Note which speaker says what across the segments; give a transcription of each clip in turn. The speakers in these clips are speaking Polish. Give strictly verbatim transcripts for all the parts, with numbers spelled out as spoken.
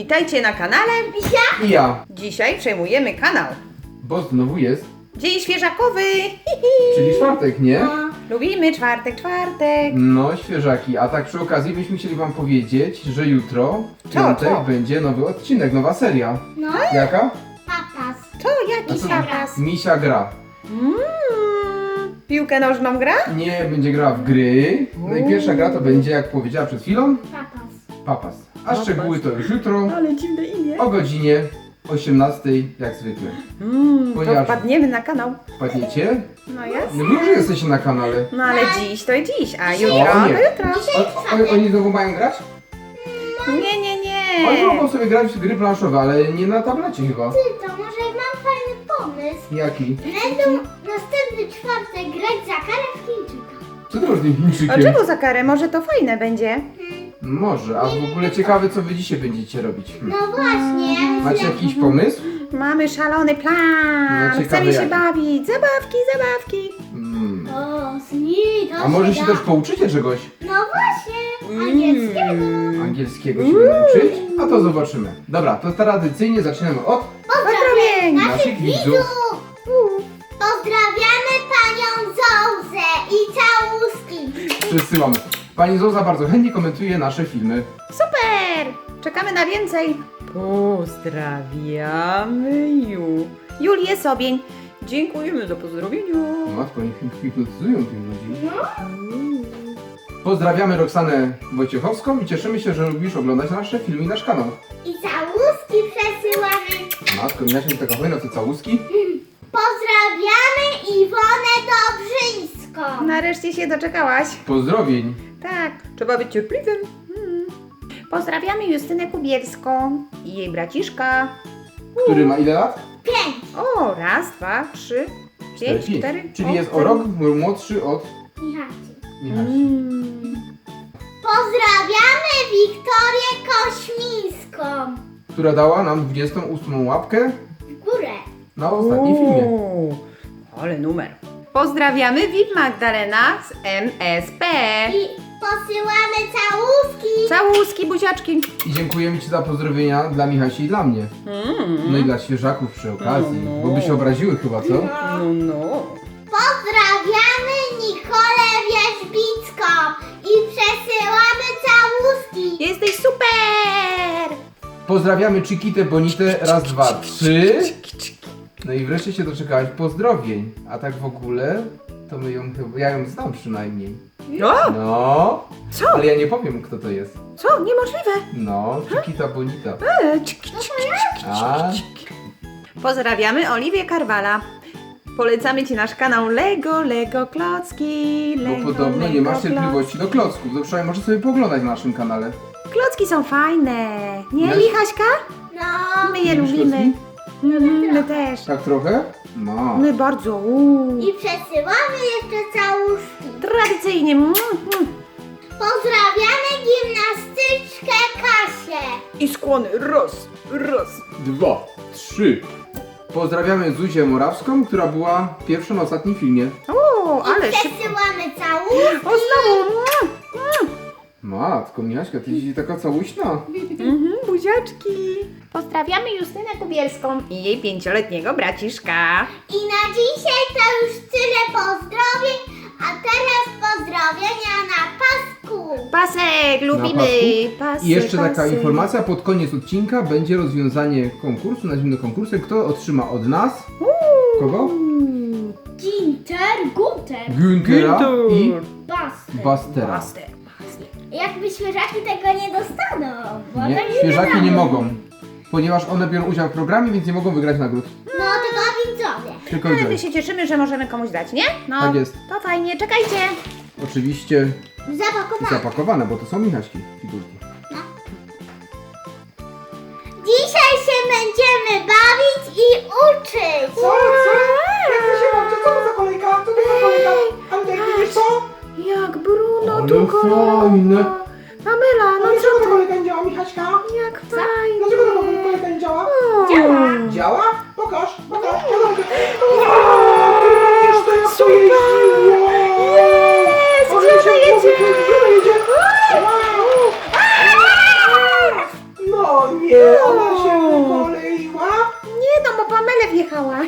Speaker 1: Witajcie na kanale
Speaker 2: Misia?
Speaker 3: I ja,
Speaker 1: Dzisiaj przejmujemy kanał
Speaker 3: bo znowu jest,
Speaker 1: Dzień Świeżakowy.
Speaker 3: czyli czwartek, nie?
Speaker 1: Lubimy czwartek, czwartek.
Speaker 3: No, świeżaki. A tak przy okazji byśmy chcieli wam powiedzieć, że jutro, w
Speaker 1: Co,
Speaker 3: piątek,
Speaker 1: co?
Speaker 3: będzie nowy odcinek, nowa seria.
Speaker 2: No.
Speaker 3: Jaka?
Speaker 2: Papas.
Speaker 1: To
Speaker 3: A
Speaker 1: jaki
Speaker 3: co?
Speaker 1: zaraz?
Speaker 3: Misia gra.
Speaker 1: Mm, piłkę nożną gra?
Speaker 3: Nie, będzie grała w gry. No i pierwsza gra to będzie, jak powiedziała przed chwilą,
Speaker 2: Papas.
Speaker 3: Papas. A
Speaker 1: Papas.
Speaker 3: szczegóły to już jutro,
Speaker 1: Ale dziwne imię.
Speaker 3: o godzinie osiemnastej, jak zwykle.
Speaker 1: Mm, to
Speaker 3: Ponieważ-
Speaker 1: wpadniemy na kanał.
Speaker 3: Wpadniecie?
Speaker 1: No jest.
Speaker 3: No wy już jesteście na kanale.
Speaker 1: No ale dziś to dziś, a
Speaker 2: Dzisiaj-
Speaker 1: jutro
Speaker 3: O, nie.
Speaker 1: to jutro.
Speaker 3: O, o, oni znowu mają grać?
Speaker 1: Nie, nie,
Speaker 3: Oni
Speaker 1: nie.
Speaker 3: mogą sobie grać w gry planszowe, ale nie na tablecie chyba.
Speaker 2: Ty, to może mam fajny pomysł.
Speaker 3: Jaki?
Speaker 2: Będą następny czwartek grać za karę w Chińczyka.
Speaker 3: Co ty masz tym
Speaker 1: A
Speaker 3: Chińczykiem?
Speaker 1: czemu za karę? Może to fajne będzie?
Speaker 3: Może, a w ogóle ciekawe, co wy dzisiaj będziecie robić. Hmm.
Speaker 2: No właśnie.
Speaker 3: Macie jakiś pomysł?
Speaker 1: Mamy szalony plan.
Speaker 3: No, ciekawe
Speaker 1: Chcemy się
Speaker 3: jaki.
Speaker 1: bawić. Zabawki, zabawki.
Speaker 3: Hmm.
Speaker 2: O, zni, to
Speaker 3: A może się
Speaker 2: da.
Speaker 3: też pouczycie czegoś?
Speaker 2: No właśnie, angielskiego.
Speaker 3: Angielskiego się będę uczyć? A to zobaczymy. Dobra, to tradycyjnie zaczynamy od
Speaker 1: Pozdrowień.
Speaker 3: naszych widzów.
Speaker 2: Pozdrawiamy panią Zołzę i całuski.
Speaker 3: Przesyłamy. Pani Zoza bardzo chętnie komentuje nasze filmy.
Speaker 1: Super! Czekamy na więcej. Pozdrawiamy Ju. Julię Sobień. Dziękujemy za pozdrowienia.
Speaker 3: Matko, niech hipnotyzują tych ludzi. Pozdrawiamy Roxanę Wojciechowską i cieszymy się, że lubisz oglądać nasze filmy i nasz kanał.
Speaker 2: I całuski przesyłamy.
Speaker 3: Matko, miałaś mi taka hojna, te całuski?
Speaker 2: Pozdrawiamy Iwonę Dobrzyńską.
Speaker 1: Nareszcie się doczekałaś.
Speaker 3: Pozdrowień.
Speaker 1: Tak, trzeba być cierpliwym. Hmm. Pozdrawiamy Justynę Kubielską i jej braciszka.
Speaker 3: Który ma ile lat?
Speaker 2: Pięć.
Speaker 1: O, raz, dwa, trzy, pięć,
Speaker 3: pięć.
Speaker 1: cztery.
Speaker 3: Czyli jest o rok młodszy od
Speaker 2: Michacie.
Speaker 3: Michasi.
Speaker 1: Mm.
Speaker 2: Pozdrawiamy Wiktorię Kośmińską.
Speaker 3: Która dała nam dwudziestą ósmą łapkę
Speaker 2: W górę.
Speaker 3: na ostatnim filmie.
Speaker 1: Uuu, ale numer. Pozdrawiamy V I P Magdalena z M S P.
Speaker 2: I posyłamy całuski.
Speaker 1: Całuski, buziaczki.
Speaker 3: I dziękujemy Ci za pozdrowienia dla Michasi i dla mnie. No i dla świeżaków przy okazji,
Speaker 1: No, no.
Speaker 3: bo by się obraziły chyba, co?
Speaker 1: No, no.
Speaker 2: Pozdrawiamy Nikolę Wierzbicką i przesyłamy całuski.
Speaker 1: Jesteś super!
Speaker 3: Pozdrawiamy Chiquitę Bonitę, raz, dwa, trzy. No i wreszcie się doczekałaś pozdrowień. A tak w ogóle, to my ją chyba, ja ją znam przynajmniej.
Speaker 1: O,
Speaker 3: No,
Speaker 1: co?
Speaker 3: ale ja nie powiem, kto to jest.
Speaker 1: Co? Niemożliwe.
Speaker 3: No, Chiquita Bonita.
Speaker 1: E, cik, cik, cik, cik,
Speaker 3: A?
Speaker 1: cik, cik. Pozdrawiamy Oliwię Karwala. Polecamy Ci nasz kanał Lego, Lego Klocki.
Speaker 3: Bo
Speaker 1: Lego,
Speaker 3: podobno nie
Speaker 1: Lego
Speaker 3: masz cierpliwości do klocków. To przynajmniej może sobie pooglądać na naszym kanale.
Speaker 1: Klocki są fajne. Nie,
Speaker 3: Wiesz?
Speaker 1: Michaśka?
Speaker 2: No.
Speaker 1: My je
Speaker 3: Lubisz
Speaker 1: lubimy.
Speaker 3: klocki?
Speaker 1: Mhm, my też.
Speaker 3: Tak trochę? No.
Speaker 1: My bardzo. Uuu.
Speaker 2: I przesyłamy jeszcze całuski.
Speaker 1: Tradycyjnie. Mm, mm.
Speaker 2: Pozdrawiamy gimnastyczkę Kasię.
Speaker 1: I skłony. Raz, raz.
Speaker 3: Dwa, trzy. Pozdrawiamy Zuzię Morawską, która była pierwsza na ostatnim filmie.
Speaker 1: O, ale
Speaker 2: I
Speaker 1: szybko.
Speaker 2: przesyłamy całuski.
Speaker 1: O, znowu. Mm, mm.
Speaker 3: Matko, Michaśka, ty jesteś taka całuśna.
Speaker 1: Mhm, buziaczki. Pozdrawiamy Justynę Kubielską i jej pięcioletniego braciszka.
Speaker 2: I na dzisiaj to już tyle pozdrowień, a teraz pozdrowienia na pasku.
Speaker 1: Pasek, lubimy.
Speaker 3: Na
Speaker 1: Pasek,
Speaker 3: I jeszcze taka
Speaker 1: pasek.
Speaker 3: informacja, pod koniec odcinka będzie rozwiązanie konkursu, nazwijmy to konkursem, kto otrzyma od nas, kogo?
Speaker 2: Ginter, Gunter,
Speaker 3: Güntera i
Speaker 2: Bas.
Speaker 3: Bastera.
Speaker 1: Master.
Speaker 2: Jakby świeżaki tego nie dostaną. Bo
Speaker 3: Nie,
Speaker 2: tak
Speaker 3: świeżaki
Speaker 2: wiadomo.
Speaker 3: nie mogą, ponieważ one biorą udział w programie, więc nie mogą wygrać nagród.
Speaker 2: No tylko widzowie.
Speaker 3: Tylko
Speaker 1: Ale my
Speaker 3: idziemy.
Speaker 1: się cieszymy, że możemy komuś dać, nie? No,
Speaker 3: Tak jest.
Speaker 1: to fajnie, czekajcie.
Speaker 3: Oczywiście
Speaker 2: Zapakowane.
Speaker 3: zapakowane, bo to są Michaśki figurki.
Speaker 2: Dzisiaj się będziemy bawić i uczyć.
Speaker 4: Co? Co? Jak wy się bawicie? Co to za kolejka? Co to za kolejka? Antek, widzisz co?
Speaker 1: Jak Bruno
Speaker 3: Ale
Speaker 1: tu kolorowo.
Speaker 3: fajne.
Speaker 1: Pamela,
Speaker 4: No
Speaker 1: no
Speaker 4: dlaczego
Speaker 1: co
Speaker 4: ta
Speaker 1: ty?
Speaker 4: kolejka nie działa, Michaśka?
Speaker 1: Jak fajnie.
Speaker 4: Dlaczego ta kolejka nie działa?
Speaker 2: Działa.
Speaker 4: Działa? Pokaż, pokaż. Wiesz to jak to jeździło?
Speaker 1: Jest,
Speaker 4: O,
Speaker 1: gdzie ona jedzie?
Speaker 4: Gdzie ona jedzie? Wow. No nie!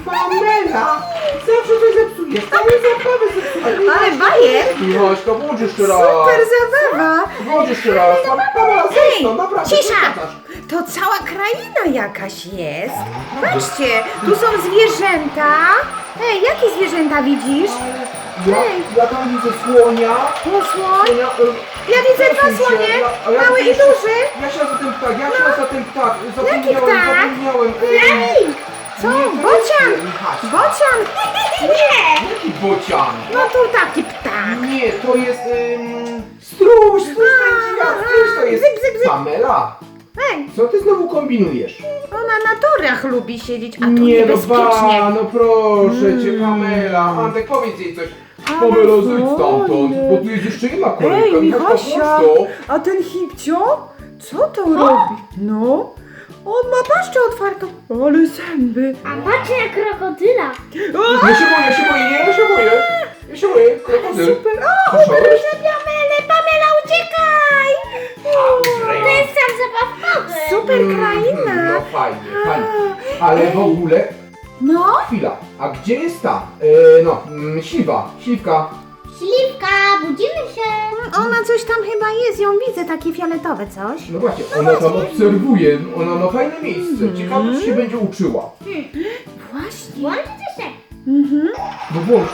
Speaker 4: Pamela! Zawsze coś zepsujesz, całą zabawę zepsujesz.
Speaker 1: Ale bajer!
Speaker 3: Michaśka, włącz jeszcze raz.
Speaker 1: Super zabawa!
Speaker 3: Włącz jeszcze raz.
Speaker 4: Pamela, zejdź no, naprawdę.
Speaker 1: Cisza!
Speaker 4: przeszkadzasz.
Speaker 1: To cała kraina jakaś jest. Patrzcie, tu są zwierzęta. Ej, jakie zwierzęta widzisz?
Speaker 3: Ja, ja tam widzę słonia.
Speaker 1: Posłoń?
Speaker 3: Słonia, e,
Speaker 1: Ja widzę dwa
Speaker 3: przesuń się.
Speaker 1: słonie,
Speaker 3: Ja- a ja
Speaker 1: mały i
Speaker 3: jeszcze-
Speaker 1: duży.
Speaker 3: Ja się za ten ptak, ja się za ten ptak. Zapomniałem,
Speaker 1: ptak?
Speaker 3: zapomniałem. E,
Speaker 2: Flaming!
Speaker 1: Co?
Speaker 3: nie, to
Speaker 1: Bocian!
Speaker 3: jest, e, Michaśka.
Speaker 1: Bocian!
Speaker 2: Nie!
Speaker 3: Jaki bocian?
Speaker 1: No tu taki ptak.
Speaker 3: Nie, to jest ym, stróż, stróż pędzika, stróż to jest
Speaker 1: Bzyk, bzyk, bzyk.
Speaker 3: Pamela.
Speaker 1: Ej,
Speaker 3: Co ty znowu kombinujesz?
Speaker 1: ona na torach lubi siedzieć, a tu
Speaker 3: Nie no
Speaker 1: niebezpiecznie.
Speaker 3: ba, no proszę cię Pamela. Antek, powiedz jej coś. Pamela, zejdź stamtąd, bo tu jest jeszcze jedna kolejka.
Speaker 1: Ej,
Speaker 3: Michaśka,
Speaker 1: Michasia,
Speaker 3: włącz to.
Speaker 1: a ten hipcio? Co to robi? No, on ma paszczę otwartą, ale zęby.
Speaker 2: A patrzę jak krokodyla.
Speaker 1: O,
Speaker 3: Ja się boję, ja się boję, nie, ja się boję. Ja się boję, krokodyl.
Speaker 1: super, o,
Speaker 3: Słyszałeś?
Speaker 1: uderzył Pamela, Pamela, uciekaj!
Speaker 2: To jest sam zabawkowy.
Speaker 1: Super
Speaker 3: Mm,
Speaker 1: kraina.
Speaker 3: No fajnie, fajnie. Ale w ogóle,
Speaker 1: No,
Speaker 3: chwila, a gdzie jest ta, e, no, mm, śliwa, śliwka.
Speaker 2: Śliwka, budzimy się.
Speaker 1: ona coś tam chyba jest, ją widzę, takie fioletowe coś.
Speaker 3: No właśnie, ona tam obserwuje, ona ma fajne miejsce. Ciekawe, czy się będzie uczyła.
Speaker 1: Właśnie.
Speaker 2: Włączcie się.
Speaker 1: Mhm.
Speaker 3: No włącz.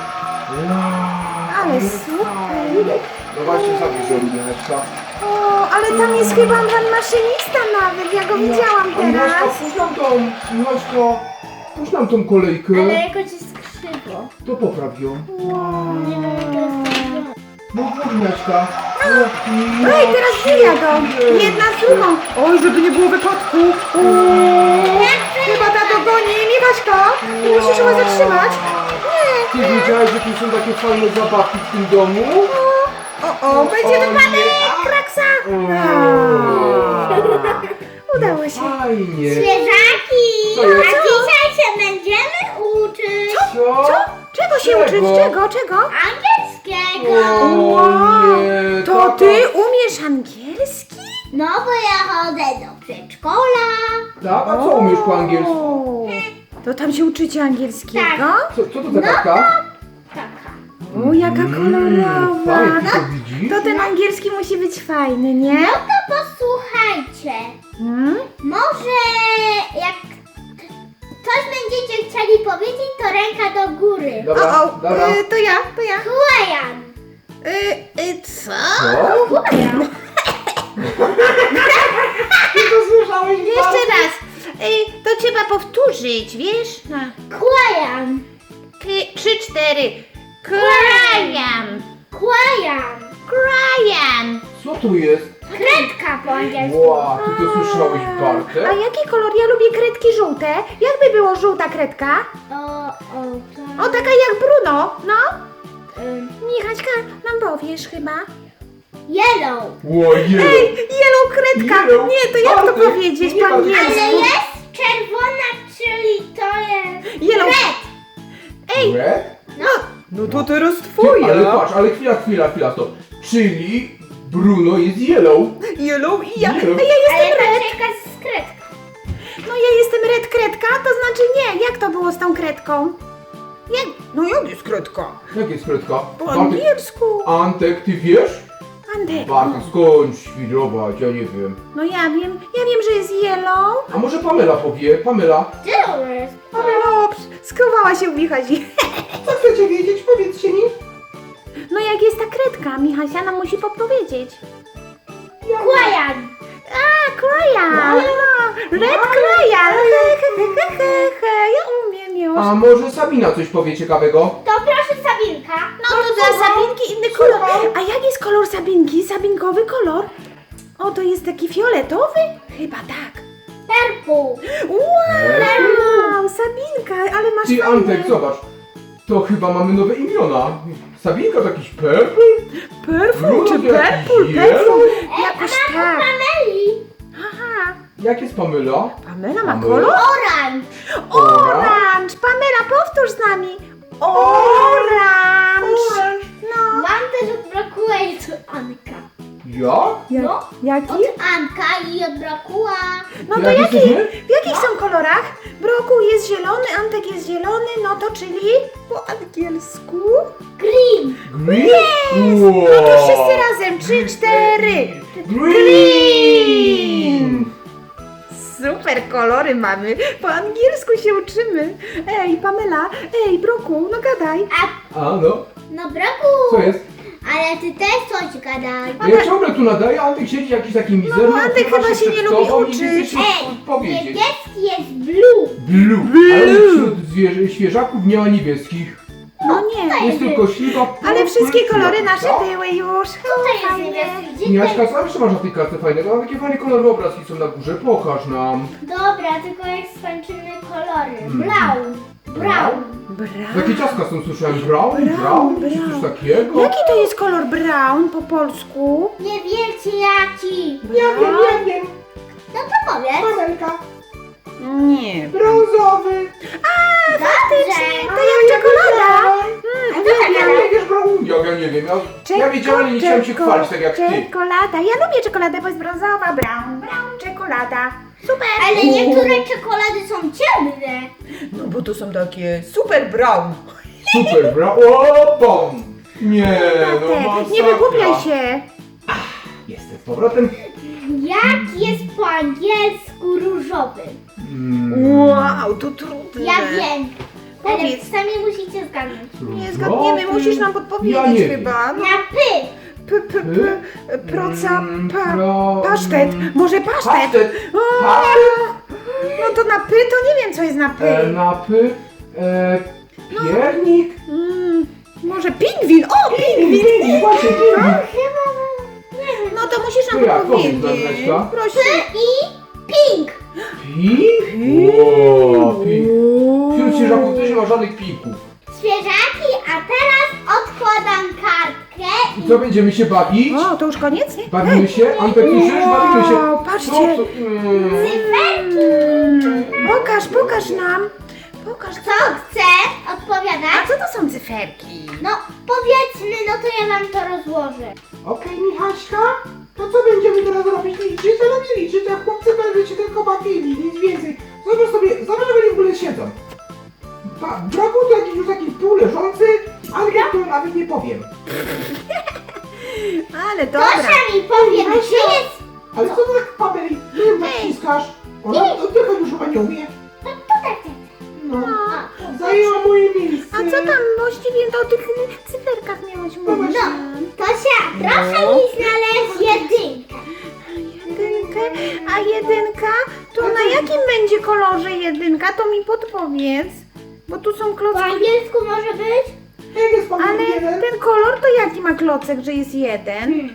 Speaker 1: Ale super.
Speaker 3: No właśnie, zabierz ją, Rubianeczka.
Speaker 1: O, ale tam jest chyba pan maszynista nawet, ja go widziałam
Speaker 3: A Michaśka,
Speaker 1: teraz.
Speaker 3: puść nam tą, Michaśka, puść nam tą kolejkę.
Speaker 2: Ale jakoś jest krzywo.
Speaker 3: To popraw ją.
Speaker 2: Nie wiem, jak to jest krzywo.
Speaker 3: No włącz, Michaśka.
Speaker 1: Ej, teraz dwie jadą. Jedna z drugą. Oj, żeby nie było wypadku. O, chyba ta dogoni. Michaśka, musisz chyba zatrzymać.
Speaker 3: Ty wiedziałeś, że tu są takie fajne zabawki w tym domu?
Speaker 1: O, o, będzie
Speaker 3: O,
Speaker 1: wypadek,
Speaker 3: nie.
Speaker 1: kraksa. Udało się.
Speaker 3: Fajnie.
Speaker 2: Zwierzaki!
Speaker 3: Co jest?
Speaker 2: A dzisiaj się będziemy uczyć
Speaker 3: Co?
Speaker 1: Co? Czego się uczyć? Czego? Czego?
Speaker 2: angielskiego.
Speaker 3: O nie,
Speaker 1: To
Speaker 3: tata.
Speaker 1: ty umiesz angielski?
Speaker 2: No bo ja chodzę do przedszkola.
Speaker 3: Tak? A co umiesz po angielsku?
Speaker 1: O, to tam się uczycie angielskiego?
Speaker 2: Tak.
Speaker 3: Co, co to za kartka?
Speaker 2: Taka.
Speaker 1: O, jaka kolorowa.
Speaker 3: Fajnie, ty
Speaker 1: No,
Speaker 3: to widzisz?
Speaker 1: to ten angielski musi być fajny, nie?
Speaker 2: No to posłuchajcie.
Speaker 1: Hmm?
Speaker 2: Może jak coś będziecie chcieli powiedzieć, to ręka do góry.
Speaker 3: Dobra,
Speaker 1: O, o,
Speaker 3: dobra.
Speaker 1: y, to ja, to ja.
Speaker 2: Kłajan.
Speaker 1: Y, y, co?
Speaker 3: Co?
Speaker 2: Kłajan.
Speaker 4: Ty to słyszałeś?
Speaker 1: Jeszcze raz. Y, to trzeba powtórzyć, wiesz? No.
Speaker 2: Kłajan.
Speaker 1: K- Trzy, cztery. Krajan.
Speaker 2: Kłajan.
Speaker 1: Krajan.
Speaker 3: Co tu jest?
Speaker 2: Kredka po angielsku.
Speaker 3: Wow, ty to słyszałeś,
Speaker 1: A
Speaker 3: Bartek?
Speaker 1: jaki kolor? Ja lubię kredki żółte. Jakby było żółta kredka?
Speaker 2: O, o, to...
Speaker 1: O, taka jak Bruno. No.
Speaker 2: Ym,
Speaker 1: Michaśka, nam powiesz chyba.
Speaker 2: yellow.
Speaker 3: Ojej!
Speaker 1: Ej, yellow kredka.
Speaker 3: Yellow.
Speaker 1: Nie, to jak to
Speaker 3: Bartek,
Speaker 1: powiedzieć
Speaker 3: nie
Speaker 1: po
Speaker 3: Bartek.
Speaker 2: Ale
Speaker 1: angielsku?
Speaker 2: jest czerwona, czyli to jest
Speaker 1: Yellow.
Speaker 2: red.
Speaker 1: Ej,
Speaker 3: Red?
Speaker 1: no, no to teraz
Speaker 3: Ty, ale patrz, ale chwila, chwila, chwila, to. Czyli Bruno jest yellow.
Speaker 1: Yellow i ja.
Speaker 3: Yellow.
Speaker 1: A ja
Speaker 2: Ale
Speaker 1: jestem red.
Speaker 2: patrz jaka jest kredka.
Speaker 1: No ja jestem red kredka, to znaczy nie. Jak to było z tą kredką? Jak? No jak jest kredka?
Speaker 3: Jak jest kredka?
Speaker 1: Po
Speaker 3: Bartek,
Speaker 1: angielsku.
Speaker 3: Antek, ty wiesz?
Speaker 1: Antek.
Speaker 3: Bartek, skąd świrować, ja nie wiem.
Speaker 1: No ja wiem, ja wiem, że jest yellow.
Speaker 3: A może Pamela powie? Pamela?
Speaker 2: Gdzie to jest?
Speaker 1: O, skowała się u Michasi.
Speaker 4: Co chcecie wiedzieć? Powiedzcie mi.
Speaker 1: No jak jest ta kredka, Michasia nam musi podpowiedzieć.
Speaker 2: Kłajan.
Speaker 1: A, krajan. No, red krajan. He, he, he, he, he. Ja umiem już.
Speaker 3: A może Sabina coś powie ciekawego?
Speaker 2: To proszę Sabinka.
Speaker 1: No to dla Sabinki inny kolor. A jak jest kolor Sabinki? Sabinkowy kolor? O, to jest taki fioletowy? Chyba tak.
Speaker 2: Purple.
Speaker 1: Wow, Sabinka, ale masz
Speaker 3: Ty
Speaker 1: fajne.
Speaker 3: Antek, zobacz. To chyba mamy nowe imiona. Sabinka to jakiś purple?
Speaker 1: Perfum czy
Speaker 3: Ludzie,
Speaker 1: purple?
Speaker 3: yellow?
Speaker 1: Perfum?
Speaker 2: E,
Speaker 1: Jakoś
Speaker 2: a
Speaker 1: tak.
Speaker 2: Pameli.
Speaker 1: Aha.
Speaker 3: Jak jest Pamela?
Speaker 1: Pamela ma
Speaker 3: Pamela?
Speaker 1: kolor?
Speaker 2: Orange.
Speaker 1: Orange. Pamela, powtórz z nami. Orange. No.
Speaker 2: Wam też odbrakuje to Anka.
Speaker 3: Ja?
Speaker 1: Jak,
Speaker 2: No.
Speaker 1: jaki?
Speaker 2: Od Anka i odbrakła.
Speaker 1: No
Speaker 3: To
Speaker 1: to
Speaker 3: jak
Speaker 1: jaki,
Speaker 3: jesteśmy?
Speaker 1: w jakich są kolorach? Broku, Broku jest zielony, Antek jest zielony, no to czyli po angielsku?
Speaker 2: Green.
Speaker 3: Green?
Speaker 1: No to wszyscy razem, trzy, cztery.
Speaker 3: Green!
Speaker 1: Super kolory mamy, po angielsku się uczymy. Ej, Pamela, ej, Broku, no gadaj.
Speaker 2: A
Speaker 3: A no,
Speaker 2: no Broku,
Speaker 3: co jest?
Speaker 2: ale ty też coś gadaj.
Speaker 3: Ja ciągle tu nadaję, a Antek siedzi jakiś taki mizerny.
Speaker 1: No bo Antek
Speaker 3: ukrywa
Speaker 1: chyba się nie
Speaker 3: przed
Speaker 1: lubi
Speaker 3: tobą i
Speaker 1: uczyć.
Speaker 3: nie chce się
Speaker 2: Ej,
Speaker 3: powiedzieć.
Speaker 2: niebieski jest blue.
Speaker 3: Blue. Ale wśród zwierzę, świeżaków nie ma niebieskich.
Speaker 1: No nie,
Speaker 3: Jest tylko śliwa.
Speaker 1: ale wszystkie kolory
Speaker 3: purpura.
Speaker 1: nasze
Speaker 3: No.
Speaker 1: były już.
Speaker 2: Tutaj jest
Speaker 1: Fajnie.
Speaker 2: niebieski. Gdzie
Speaker 3: Miaśka,
Speaker 2: ty?
Speaker 3: co jeszcze masz na tej kartce fajnego? Mam takie fajne kolorowe obrazki są na górze, pokaż nam.
Speaker 2: Dobra, tylko jak skończymy kolory.
Speaker 3: Mm.
Speaker 2: Brown. Brown.
Speaker 3: Takie
Speaker 1: Brown.
Speaker 3: ciastka są, słyszałem, brown,
Speaker 1: Brown,
Speaker 3: brown, czy
Speaker 1: brown.
Speaker 3: coś takiego?
Speaker 1: Jaki to jest kolor brown po polsku?
Speaker 2: Nie wiecie jaki.
Speaker 4: Ja wiem, ja wiem.
Speaker 2: No to powiedz.
Speaker 4: Pamelka.
Speaker 1: Nie.
Speaker 4: Brązowy.
Speaker 1: Faktycznie, to jak czekolada. Mm, uwielbiam.
Speaker 3: Ja nie wiesz, brown. Jak ja nie wiem, ja, ja wiedziałem, ale nie chciałem się
Speaker 1: Czeko-
Speaker 3: chwalić tak jak ty.
Speaker 1: Czekolada. Ja lubię czekoladę, bo jest brązowa, brown, brown, czekolada. Super.
Speaker 2: Ale niektóre czekolady są ciemne.
Speaker 1: No bo to są takie super brown.
Speaker 3: Super, brown. O, bom! Nie, no
Speaker 1: Te,
Speaker 3: masakra.
Speaker 1: nie wygłupiaj się.
Speaker 3: Jestem z powrotem.
Speaker 2: Jak jest po angielsku różowy?
Speaker 3: Mm,
Speaker 1: Wow, to trudne.
Speaker 2: Ja wiem. Ale
Speaker 1: Powiedz.
Speaker 2: sami musicie zgadnąć.
Speaker 1: Nie zgadniemy,
Speaker 3: różowy.
Speaker 1: musisz nam podpowiedzieć
Speaker 3: Ja nie
Speaker 1: chyba. No,
Speaker 2: Na py.
Speaker 1: p, p, p, proca,
Speaker 3: Mm,
Speaker 1: pa,
Speaker 3: pro-
Speaker 1: pasztet. Może pasztet?
Speaker 3: Pasztet.
Speaker 1: O,
Speaker 3: Pasztet.
Speaker 1: no to na py to nie wiem, co jest na py.
Speaker 3: E, napy. E, piernik.
Speaker 1: Mm, może pingwin? O, pingwin!
Speaker 3: Pingwin, właśnie, pingwin.
Speaker 1: No to musisz
Speaker 3: To
Speaker 1: nam
Speaker 3: jak? Powiedz nam,
Speaker 1: podpowiedzieć.
Speaker 3: Leszka.
Speaker 1: Proszę.
Speaker 2: I pink.
Speaker 3: Pink? O, pink. Wśród świeżaków też nie ma żadnych pinków.
Speaker 2: Świeżaki, a teraz odkładam kartkę
Speaker 3: I co, będziemy się bawić?
Speaker 1: O, to już koniec? Nie?
Speaker 3: Bawimy się? Antek, słyszysz? Bawimy się.
Speaker 1: Wow, patrzcie.
Speaker 3: Co to? Mm.
Speaker 1: Mm, pokaż, pokaż nam. Pokaż,
Speaker 2: Co chce
Speaker 1: A
Speaker 2: odpowiadać?
Speaker 1: co to są cyferki?
Speaker 2: No powiedzmy, no to ja wam to rozłożę.
Speaker 4: Okej, Michaśka. To co będziemy teraz robić? Liczyć? To nie liczyć, a chłopcy będą się tylko bawili, nic więcej. Zobacz sobie, zobacz, jak oni w ogóle siedzą. Pa, Broku to jakiś już taki półleżący, Antek to nawet nie powiem.
Speaker 1: Ale dobra.
Speaker 2: Proszę mi powie, gdzie jest...
Speaker 4: Ale co ty tak, Pameli, ty ją naciskasz? Ona oddychać już chyba nie umie.
Speaker 2: To tutaj.
Speaker 4: No,
Speaker 2: O,
Speaker 4: zajęła moje miejsce.
Speaker 1: A co tam właściwie o tych cyferkach miałaś mówić?
Speaker 2: No, Tosia, proszę mi znaleźć jedynkę.
Speaker 1: Jedynkę, a jedynka? To na jakim będzie kolorze jedynka? To mi podpowiedz. Bo tu są
Speaker 2: Po
Speaker 1: klocki.
Speaker 2: angielsku może być?
Speaker 4: Jak jest Pameli
Speaker 1: Ale
Speaker 4: jeden?
Speaker 1: ten kolor to jaki ma klocek, że jest jeden?
Speaker 2: Hmm.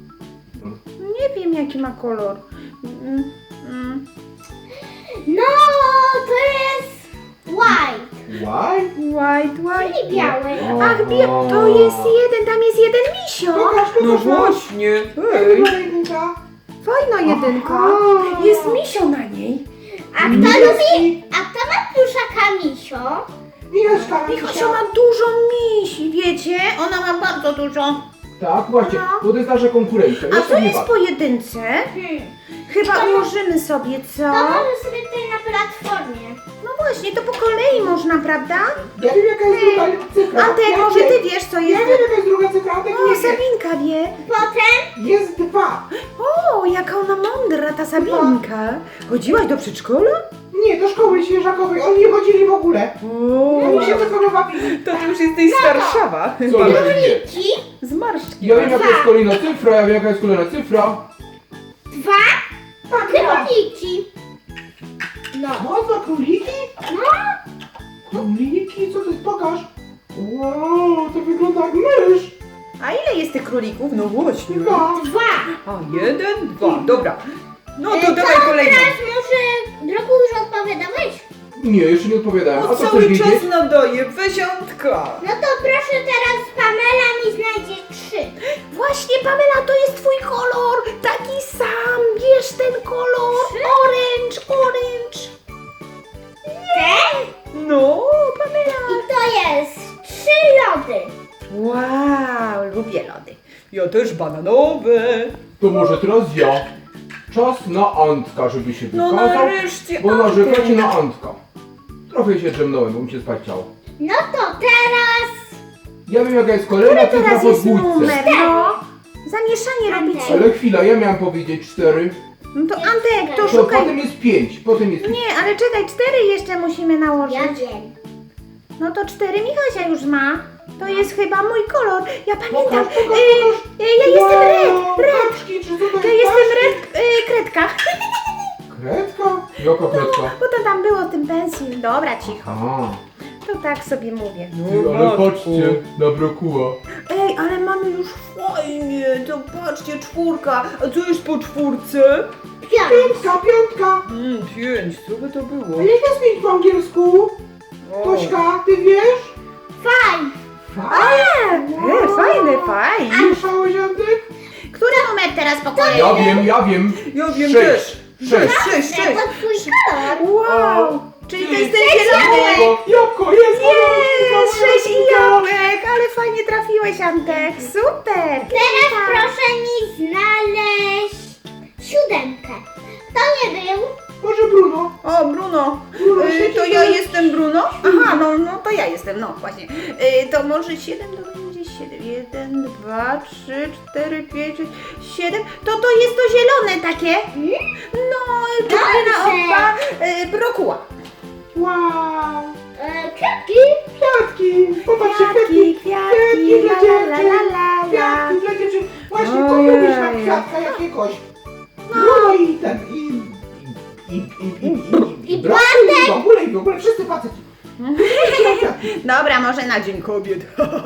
Speaker 1: Nie wiem jaki ma kolor. Mm, mm.
Speaker 2: No, to jest white,
Speaker 3: White?
Speaker 1: White, white.
Speaker 2: czyli biały.
Speaker 1: Ach, bie- to jest jeden, tam jest jeden misio.
Speaker 4: Pokaż, pokaż nam.
Speaker 1: właśnie.
Speaker 4: Jak była jedynka?
Speaker 1: Fajna jedynka.
Speaker 4: Aha.
Speaker 1: Jest misio na niej.
Speaker 2: A kto lubi, a kto ma pluszaka misio?
Speaker 4: Michaśka,
Speaker 1: Michosio ma dużo misi, wiecie? Ona ma bardzo dużo.
Speaker 3: Tak, właśnie,
Speaker 1: No.
Speaker 3: bo to jest nasza konkurencja.
Speaker 1: A
Speaker 3: Ja
Speaker 1: co
Speaker 3: sobie
Speaker 1: jest
Speaker 3: walczę.
Speaker 1: po jedynce?
Speaker 2: Hmm.
Speaker 1: Chyba ułożymy sobie, co?
Speaker 2: To może sobie tutaj na platformie.
Speaker 1: No właśnie, to po kolei można, prawda?
Speaker 4: Ja wiem jaka jest druga cyfra.
Speaker 1: Antek,
Speaker 4: ja
Speaker 1: może
Speaker 4: wiem.
Speaker 1: ty wiesz, co
Speaker 4: Ja
Speaker 1: jest?
Speaker 4: wiem jaka jest druga cyfra, Antek
Speaker 1: O,
Speaker 4: nie wie.
Speaker 1: Sabinka wie.
Speaker 2: Potem
Speaker 4: Jest dwa.
Speaker 1: O, jaka ona mądra, ta Sabinka. Chodziłaś do przedszkola?
Speaker 4: Nie, do szkoły świeżakowej, oni nie chodzili w ogóle. Oni się tylko bawili.
Speaker 1: To ty już jesteś z Warszawa.
Speaker 3: Co, że nie?
Speaker 2: króliki,
Speaker 1: Z marszczki.
Speaker 3: Ja wiem jaka jest kolejna cyfra, ja wiem jaka jest kolejna cyfra.
Speaker 2: dwa
Speaker 4: Tak, ja.
Speaker 2: króliki. No.
Speaker 4: No, dwa króliki?
Speaker 2: No,
Speaker 4: Króliki? Co to jest? Pokaż. Wow, to wygląda jak mysz.
Speaker 1: A ile jest tych królików? No właśnie.
Speaker 4: Dwa.
Speaker 2: dwa.
Speaker 1: A, jeden, dwa, dobra. No
Speaker 2: E,
Speaker 1: to dawaj
Speaker 2: co
Speaker 1: kolejną.
Speaker 2: teraz może drogu już odpowiadałeś?
Speaker 3: Nie, jeszcze nie odpowiadałem.
Speaker 1: No
Speaker 3: A co chcesz
Speaker 1: cały czas
Speaker 3: wiedzieć?
Speaker 1: nadaje, weziątka.
Speaker 2: No to proszę teraz Pamela mi znajdzie trzy.
Speaker 1: Właśnie, Pamela, to jest twój kolor. Taki sam. Bierz ten kolor. Orange, orange.
Speaker 2: Ten
Speaker 1: No, Pamela.
Speaker 2: i to jest trzy lody.
Speaker 1: Wow, lubię lody. Ja też bananowe.
Speaker 3: To może teraz ja. Czas na Antka, żeby się
Speaker 1: No
Speaker 3: wykazał.
Speaker 1: nareszcie,
Speaker 3: Bo
Speaker 1: Antek.
Speaker 3: narzekacie na Antka. Trochę się drzemnąłem, bo mi się spać chciało.
Speaker 2: No to teraz...
Speaker 3: Ja wiem jaka jest kolejna
Speaker 1: Który
Speaker 3: cyfra
Speaker 1: teraz
Speaker 3: po
Speaker 1: jest
Speaker 3: dwójce.
Speaker 1: numer, no? Zamieszanie robicie.
Speaker 3: Ale chwila, ja miałam powiedzieć cztery.
Speaker 1: No to Antek, to
Speaker 3: To
Speaker 1: szukaj.
Speaker 3: potem jest pięć, potem jest
Speaker 1: Nie, ale czekaj, cztery jeszcze musimy nałożyć.
Speaker 2: Ja wiem.
Speaker 1: No to cztery Michasia już ma. To jest chyba mój kolor. Ja pamiętam.
Speaker 4: Pokaż, pokaż,
Speaker 1: y,
Speaker 4: pokaż.
Speaker 1: y, ja jestem red,
Speaker 4: Wow,
Speaker 1: red.
Speaker 4: kaczki, czy to
Speaker 1: Ja
Speaker 4: jest
Speaker 1: jestem
Speaker 4: kaczki?
Speaker 1: red, y, kredka.
Speaker 3: Kredka? Jaka kredka?
Speaker 1: Bo to tam było w tym pensji. Dobra, cicho.
Speaker 3: A,
Speaker 1: To tak sobie mówię.
Speaker 3: ty, ale patrzcie, na brokuła.
Speaker 1: Ej, ale mamy już fajnie. To patrzcie, czwórka. A co jest po czwórce?
Speaker 2: Piąt.
Speaker 4: Piątka, piątka.
Speaker 1: Mm, pięć, co by to było?
Speaker 4: A jak jest pięć po angielsku? Tośka, ty wiesz?
Speaker 2: Five.
Speaker 1: E, fajny, fajny.
Speaker 4: Słyszałeś, Antek?
Speaker 1: Który numer teraz po kolei?
Speaker 3: Ja wiem, ja wiem.
Speaker 1: Ja wiem
Speaker 3: Sześć.
Speaker 1: też.
Speaker 3: Sześć.
Speaker 1: Sześć, sześć.
Speaker 2: To twój kolor.
Speaker 1: Wow. Czyli to jest ten
Speaker 2: Sześć
Speaker 1: zielony.
Speaker 2: jabłek.
Speaker 4: Jabłko, jest!
Speaker 1: Jest, sześć jabłek, ale fajnie trafiłeś, Antek. Super.
Speaker 2: Teraz proszę mi znaleźć siódemkę. To nie był.
Speaker 4: Może Bruno?
Speaker 1: O, Bruno.
Speaker 4: Bruno,
Speaker 1: Y,
Speaker 4: siedzi
Speaker 1: to ja
Speaker 4: tam.
Speaker 1: jestem Bruno? Aha, no, no to ja jestem, no właśnie. Y, to może siedem to będzie siedem. jeden, dwa, trzy, cztery, pięć, sześć, siedem. To to jest to zielone takie. No, cztery na
Speaker 2: Dobrze.
Speaker 1: opa. Y, brokuła.
Speaker 4: Wow!
Speaker 2: E, kwiatki.
Speaker 4: Kwiatki! Popatrzcie,
Speaker 1: Kwiatki,
Speaker 4: kwiatki!
Speaker 1: kwiatki,
Speaker 4: dla
Speaker 1: la,
Speaker 4: dziewczyn!
Speaker 1: la, la, la, la.
Speaker 4: Kwiatki dla dziewczyn! Właśnie,
Speaker 1: Ojej.
Speaker 4: kupiłbyś na kwiatka jakiegoś. Bruno i ten, i... I, i, i, i, i, i,
Speaker 2: I
Speaker 4: braku, i w ogóle, i w ogóle, wszyscy faceci.
Speaker 1: Dobra, może na Dzień Kobiet.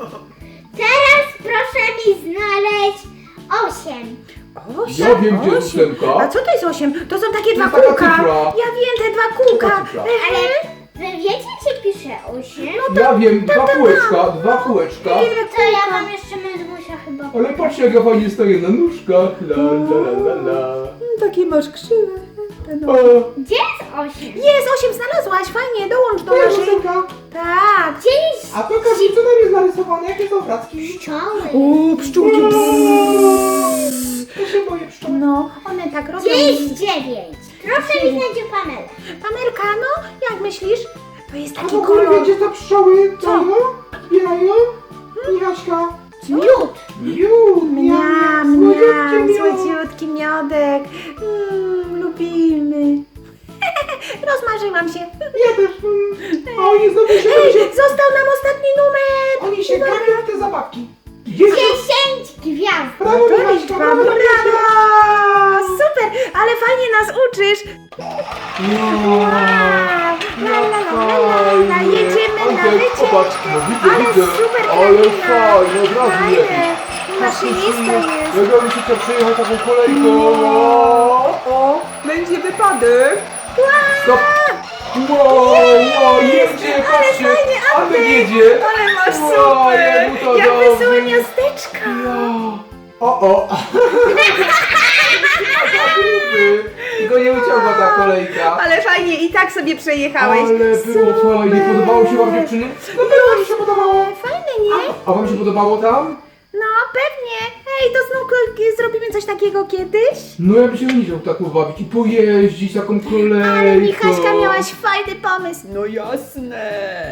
Speaker 2: Teraz proszę mi znaleźć osiem.
Speaker 1: Osiem,
Speaker 3: Ja wiem, gdzie jest
Speaker 1: osiem.
Speaker 3: ósemka.
Speaker 1: A co to jest osiem? To są takie dwa
Speaker 3: jest taka
Speaker 1: kółka.
Speaker 3: cyfra.
Speaker 1: Ja wiem, te dwa kółka.
Speaker 3: Taka cyfra.
Speaker 2: Ale
Speaker 1: Ehe.
Speaker 2: wy wiecie, czy pisze osiem?
Speaker 3: Ja wiem, dwa kółeczka, dwa kółeczka.
Speaker 2: To ja mam jeszcze mędrmusia chyba.
Speaker 3: Ale patrzcie jak ja fajnie stoję na nóżkach. La la la la la.
Speaker 1: Takie masz krzywe.
Speaker 3: O,
Speaker 2: Gdzie jest osiem?
Speaker 1: Jest, osiem znalazłaś, fajnie, dołącz do
Speaker 4: To jest
Speaker 1: naszej...
Speaker 4: ósemka.
Speaker 1: Tak.
Speaker 2: Gdzie jest
Speaker 4: A pokaż mi, co tam jest narysowane, jakie są obrazki.
Speaker 2: pszczoły?
Speaker 1: O, pszczółki.
Speaker 4: Ja się boję pszczoły.
Speaker 1: No, one tak robią.
Speaker 2: Gdzie jest dziewięć? Proszę mi znać o Pamelę.
Speaker 1: Pamelka, no, jak myślisz? To jest
Speaker 4: A
Speaker 1: taki
Speaker 4: w ogóle
Speaker 1: kolor.
Speaker 4: wiecie, co pszczoły
Speaker 1: Co?
Speaker 4: dają? Zbierają? Michaśka.
Speaker 2: Miód.
Speaker 4: Miód,
Speaker 1: Mniam,
Speaker 4: słodziutki
Speaker 1: mniam,
Speaker 4: miód.
Speaker 1: słodziutki miodek. Mm, lubimy. Rozmarzyłam się.
Speaker 4: Ja też. Mm. A oni znowu się,
Speaker 1: Ej,
Speaker 4: się,
Speaker 1: został nam ostatni numer.
Speaker 4: oni się gapią w te zabawki. Dziesięć.
Speaker 2: Dziesięć gwiazd.
Speaker 4: Brawo,
Speaker 1: To
Speaker 4: Michaśka,
Speaker 1: liczba,
Speaker 4: brawo, Michaśka.
Speaker 1: brawo! Super, ale fajnie nas uczysz. Wow, la, la, la, la, la, la. Jedziemy na
Speaker 3: Antek,
Speaker 1: wycieczkę.
Speaker 3: popatrz, no widzę,
Speaker 1: Ale
Speaker 3: widzę.
Speaker 1: super
Speaker 3: Ale
Speaker 1: kraina.
Speaker 3: fajnie, od razu
Speaker 1: Fajne.
Speaker 3: lepiej.
Speaker 1: Maszynista jest.
Speaker 3: Jak ja bym się chciał przejechać taką kolejką.
Speaker 1: O, będzie wypadek.
Speaker 3: Stop! Wow, wow, jedzie, patrzcie!
Speaker 1: fajnie,
Speaker 3: Antek
Speaker 1: Antek.
Speaker 3: jedzie!
Speaker 1: Ale masz
Speaker 3: Wow,
Speaker 1: super.
Speaker 3: jak mu to
Speaker 1: Jak
Speaker 3: dobrze.
Speaker 1: wesołe miasteczka.
Speaker 3: O, o! Tylko nie uciągła ta kolejka.
Speaker 1: Ale fajnie, i tak sobie przejechałeś.
Speaker 3: Ale było fajnie. Podobało się wam dziewczyny?
Speaker 4: No też mi się podobało.
Speaker 1: Fajne, nie?
Speaker 3: A wam się podobało tam?
Speaker 1: No, pewnie. Hej, to znów ko- zrobimy coś takiego kiedyś?
Speaker 3: No ja bym się nie chciał tak pobawić i pojeździć taką kolejką.
Speaker 1: Ale Michaśka, miałaś fajny pomysł. No jasne.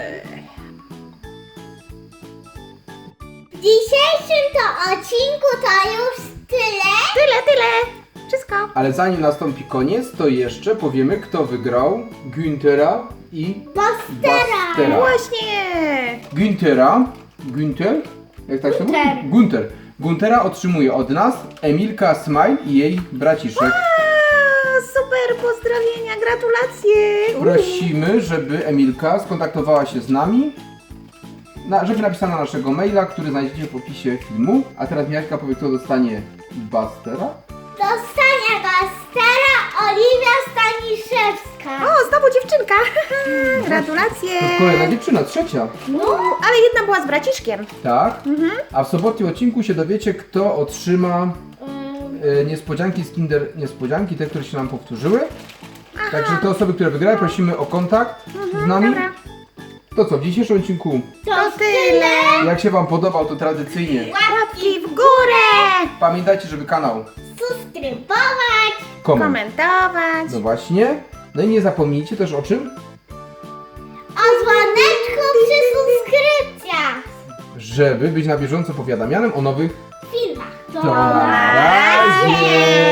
Speaker 2: W dzisiejszym to odcinku to już tyle.
Speaker 1: Tyle, tyle. Wszystko.
Speaker 3: Ale zanim nastąpi koniec, to jeszcze powiemy, kto wygrał Günthera i
Speaker 2: Bastera.
Speaker 3: Bastera.
Speaker 1: Właśnie.
Speaker 3: Günthera, Günther, jak tak się mówi?
Speaker 2: Gunther.
Speaker 3: Gunther. Guntera otrzymuje od nas Emilka Smile i jej braciszek.
Speaker 1: A, super, pozdrowienia, gratulacje.
Speaker 3: Prosimy, żeby Emilka skontaktowała się z nami, na, żeby napisała na naszego maila, który znajdziecie w opisie filmu. A teraz Miaśka powie, kto dostanie Bastera.
Speaker 2: Dostanie Bastera Oliwia Staniszewska.
Speaker 1: O, znowu dziewczynka. Gratulacje.
Speaker 3: To kolejna dziewczyna, trzecia.
Speaker 1: No, ale jedna była z braciszkiem.
Speaker 3: Tak. A w sobotnim odcinku się dowiecie, kto otrzyma
Speaker 2: Mm,
Speaker 3: e, niespodzianki z Kinder Niespodzianki, te, które się nam powtórzyły. Także te osoby, które wygrały, prosimy o kontakt z nami.
Speaker 1: Dobra.
Speaker 3: To co, w dzisiejszym odcinku,
Speaker 2: To
Speaker 1: To tyle.
Speaker 3: jak się wam podobał, to tradycyjnie
Speaker 1: Łapki w górę.
Speaker 3: pamiętajcie, żeby kanał
Speaker 2: subskrybować.
Speaker 3: koment.
Speaker 1: Komentować.
Speaker 3: No właśnie. No i nie zapomnijcie też o czym? żeby być na bieżąco powiadamianym o nowych
Speaker 2: Filmach.
Speaker 3: To na razie!